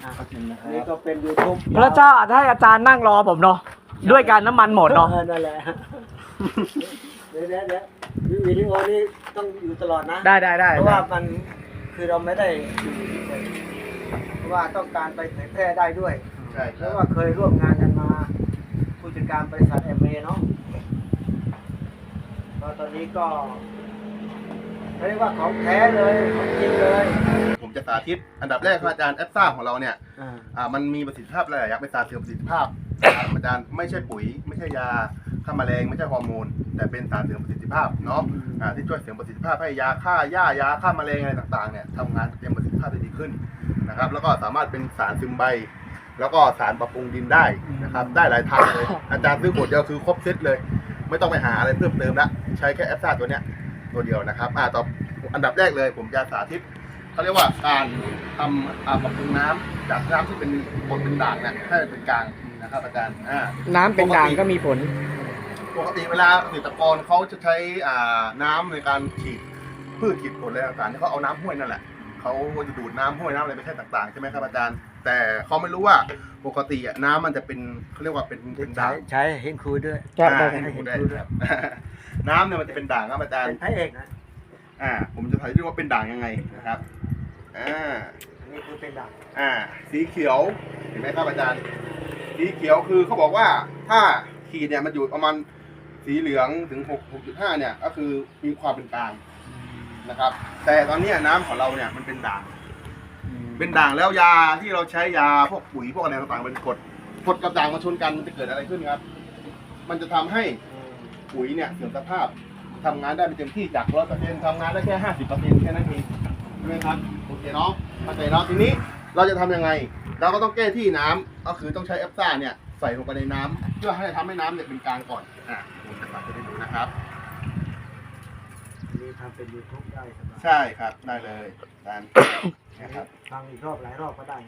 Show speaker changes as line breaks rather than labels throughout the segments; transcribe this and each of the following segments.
นี่ก็เป็น YouTube
พระเจ้าอาจจะให้อาจารย์นั่งรอผมเนาะด้วยการน้ำมันหมดเนาะ
นั่นแหละเดี๋ยววิดีโอนี้ต้องอยู่ตลอดนะ
ได้
เพราะว่ามันคือเราไม่ได้อยู่เฉยเพราะว่าต้องการไปเผยแพร่ได้ด้วย
ใช่ค
เพ
รับ
ราะว่าเคยร่วมงานกันมาผู้จัดการบริษัทเมเนาะตอนนี้ก็เรียกว่าของแท้เลยของจริงเลย
ผมจะสาธิตอันดับแรกครับอาจารย์แอปซ่าของเราเนี่ยมันมีประสิทธิภาพหลายอย่างเป็นสารเสริมประสิทธิภาพครับอาจารย์ไม่ใช่ปุ๋ยไม่ใช่ยาฆ่าแมลงไม่ใช่ฮอร์โมนแต่เป็นสารเสริมประสิทธิภาพเนาะที่ช่วยเสริมประสิทธิภาพให้ยาฆ่าหญ้ายาฆ่าแมลงอะไรต่างๆเนี่ยทำงานเต็มประสิทธิภาพได้ดีขึ้นนะครับแล้วก็สามารถเป็นสารซึมใบแล้วก็สารปรับปรุงดินได้นะครับได้หลายทางเลยอาจารย์ซื้อขวดเดียวคือครบเซตเลยไม่ต้องไปหาอะไรเพิ่มเติมละใช้แค่แอปซ่าตัวเนี้ยตัวเดียวนะครับต่ออันดับแรกเลยผมจะสาธิตเขาเรียกว่าการทำปรับปรุงน้ำจากน้ำที่เป็นบนเป็นด่างเนี่ยให้เป็นกลางนะครับอาจารย์
น้ำเป็นด่างก็มีผล
ปกติเวลาเกษตรกรเขาจะใช้น้ำในการฉีดพืชฉีดผลอะไรต่างๆที่เขาเอาน้ำห้วยนั่นแหละเขาจะดูดน้ำห้วยน้ำอะไรไปใช้ต่างๆใช่ไหมครับอาจารย์แต่เขาไม่รู้ว่าปกติน้ำมันจะเป็นเขาเรียกว่าเป็นด่าง
ใช้เห็นคุยด้วย
ให้ดูได้ครับน้ำเนี่ยมันจะเป็นด่างครับอาจารย์
เป็นพระเอกนะ
ผมจะถ่ายดูว่าเป็นด่างยังไงนะครับ
อันนี้คือเป็นด่าง
สีเขียวเห็นไหมครับอาจารย์สีเขียวคือเขาบอกว่าถ้าขีดเนี่ยมันอยู่ประมาณสีเหลืองถึง6.5เนี่ยก็คือมีความเป็นกลางนะครับแต่ตอนนี้น้ำของเราเนี่ยมันเป็นด่างแล้วยาที่เราใช้ยาพวกปุ๋ยพวกอะไรต่างๆเป็นกรดกับด่างมาชนกันมันจะเกิดอะไรขึ้นครับมันจะทำให้ปุ๋ยเนี่ยเสื่อมสภาพทำงานได้ไม่เต็มที่จาก 100% ทำงานได้แค่ 50% แค่นั้นเองใช่ไหมครับโอเคเนาะเข้าใจเนาะทีนี้เราจะทำยังไงเราก็ต้องแก้ที่น้ำก็คือต้องใช้แอปซ่าเนี่ยใส่ลงไปในน้ำเพื่อให้ทำให้น้ำเนี่ยเป็นกลางก่อนผมจะสาธิตให้ดูนะครับ
นี่ทำเป็น YouTube ได้สำหรับ
ใช่ครับได้เลยอาจารย์นะครับ
ฟังอีกรอบหลายรอบก็ได้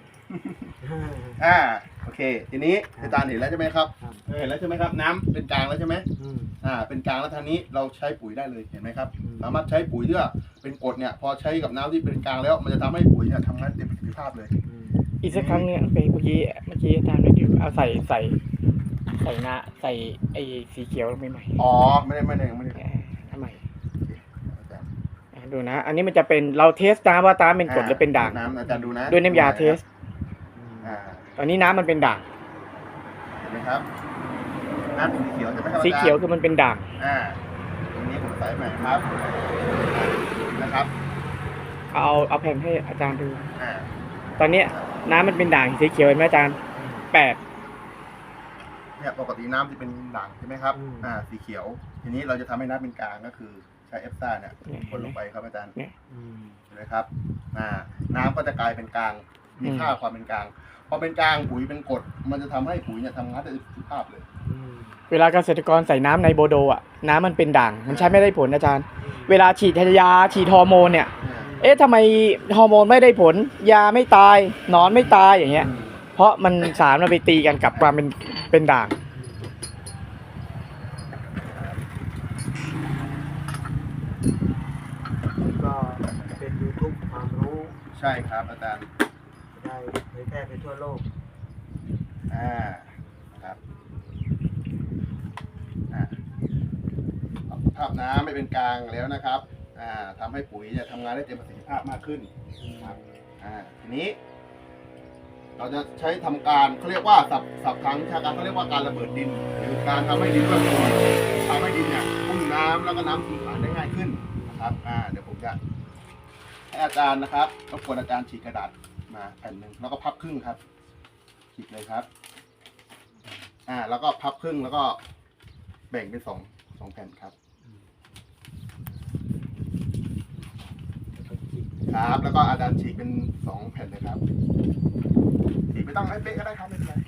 โอเคทีนี้อาจารย์เห็นแล้วใช่ไหมครับเห็นแล้วใช่ไหมครับน้ำเป็นกลางแล้วใช่ไหมเป็นกลางแล้วทางนี้เราใช้ปุ๋ยได้เลยเห็นไหมครับสามารถใช้ปุ๋ยเพื่อเป็นกรดเนี่ยพอใช้กับน้ำที่เป็นกลางแล้วมันจะทำให้ปุ๋ยเนี่ยทำงานเต็มประสิทธิภาพเลย
อีกสักครั้งเนี่ยเมื่อกี้อาจารย์ไม่ได้เอาใส่ไอ้สีเขียวลงไปใหม่
ไม่ได้
ทำไมดูนะอันนี้มันจะเป็นเราเทสน้ำว่าน้ำเป็นกรดหรือเป็นด่าง
น้ำอาจารย์ดูนะ
ด้วยน้ำยาเทสตอนนี้น้ำมันเป็นด่าง
เห็นไหมครับน้ำสีเขียวใช่ไหมครับ
สีเขียวคือมันเป็นด่าง
ตรงนี้ผมใส่ใหม่ครับนะครับ
เอาแผ่นให้อาจารย์ดูตอนนี้น้ำมันเป็นด่างสีเขียวเห็นไหมอาจารย์8
เนี่ยปกติน้ำจะเป็นด่างใช่ไหมครับสีเขียวทีนี้เราจะทำให้น้ำเป็นกลางก็คือใช้เอฟซ่าเนี่ยคนลงไปครับอาจารย์เห็นไหมครับน้ำก็จะกลายเป็นกลางมีค่าความเป็นกลางพอเป็นกลางปุ๋ยเป็นกรดมันจะทำให้ปุ๋ยเนี่ยทำงานได้ประสิทธิภาพเลย
เวลาเกษตรกรใส่น้ำในโบโดน้ำมันเป็นด่างมันใช้ไม่ได้ผลอาจารย์เวลาฉีดยาฉีดฮอร์โมนเนี่ยทำไมฮอร์โมนไม่ได้ผลยาไม่ตายหนอนไม่ตายอย่างเงี้ยเพราะมันสารมันไปตีกันกับความเป็นด่าง
ก็เป็น YouTube ความรู้
ใช่ครับอาจารย์
ได้เผยแพร่ไปทั่วโลก
ครับภาพน้ำไม่เป็นกลางแล้วนะครับทำให้ปุ๋ยเนี่ยทำงานได้เต็มประสิทธิภาพมากขึ้นครับทีนี้เราจะใช้ทำการเขาเรียกว่าศัพท์ทางวิชาการเขาเรียกว่าการระเบิดดินหรือการทำให้ดินร่วนตัวทำให้ดินเนี่ยพุ่งน้ำแล้วก็น้ำซึมผ่านได้ง่ายขึ้นนะครับเดี๋ยวผมจะให้อาจารย์นะครับรบกวนอาจารย์ฉีกกระดาษมาแผ่นหนึ่งแล้วก็พับครึ่งครับฉีกเลยครับแล้วก็พับครึ่งแล้วก็แบ่งเป็นสองแผ่นครับแล้วก็อาจารย์ฉีกเป็น2แผ่นเลยครับฉีกไม่ต้องให้เป๊ะก็ได้ครับไม่เป็นไร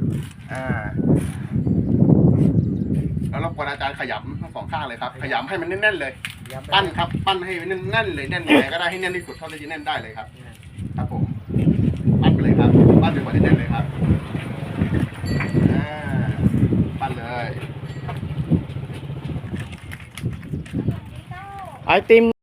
แล้วรบกวนอาจารย์ขยำทั้ง2ข้างเลยครับขยำให้มันแน่นๆเลยปั้นครับปั้นให้มันแน่นๆเลยแน่นยังไงก็ได้ให้แน่นที่สุดเท่าที่จะแน่นได้เลยครับครับผมปั้นไปเลยครับปั้นจนกว่าจะแน่นเลยครับปั้นเลย
ไอติม